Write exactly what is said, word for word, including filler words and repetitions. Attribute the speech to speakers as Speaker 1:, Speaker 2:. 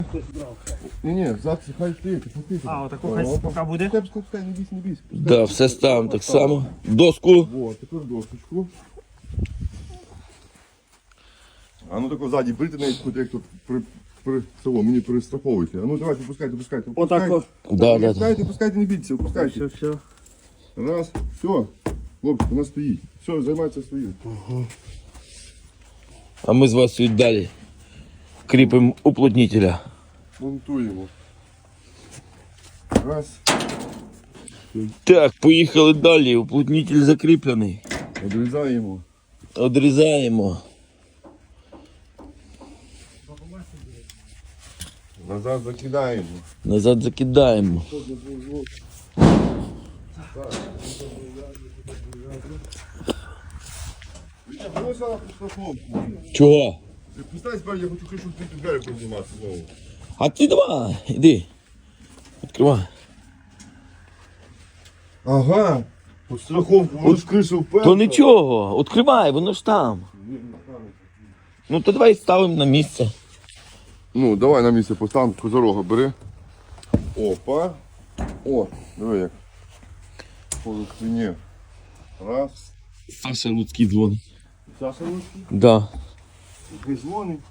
Speaker 1: Ні, ні, зараз хай стоїть, пустити.
Speaker 2: А, отаку хай поки буде.
Speaker 1: Пускай, пускай, пускай, не бійся, не бійся. Пускай.
Speaker 3: Да, все ставимо так само. Доску.
Speaker 1: Вот, тепер досочку. А ну тако ззаді брити навіть, хоч як тут при, при цього, мені перестраховуйте. А ну давайте, пускайте, пускайте.
Speaker 2: Отако.
Speaker 3: Да, да, да.
Speaker 1: Пускайте, пускайте, не бійтеся, пускайте.
Speaker 2: Все, все.
Speaker 1: Раз, все. Хлопці, вона стоїть. Все, займається своїм.
Speaker 3: А ми з вас далі кріпимо уплотнителя.
Speaker 1: Монтуємо. Раз.
Speaker 3: Так, поїхали далі. Уплотнитель закріплений.
Speaker 1: Одрізаємо.
Speaker 3: Одрізаємо.
Speaker 1: Назад закидаємо.
Speaker 3: Назад закидаємо. Чого?
Speaker 1: Представь себе, я хочу кришу ти двері піднімати знову.
Speaker 3: А ти давай, іди. Відкривай.
Speaker 1: Ага. Под страховку, воно ж кришу вперше.
Speaker 3: То нічого, відкривай, воно ж там. Ну то давай ставимо на місце.
Speaker 1: Ну, давай на місце поставимо, козорога бери. Опа. О, диви як. По спині. Раз.
Speaker 3: Саша Луцький дзвонить.
Speaker 1: Саша Луцький.
Speaker 3: Да.
Speaker 1: Дзвонить.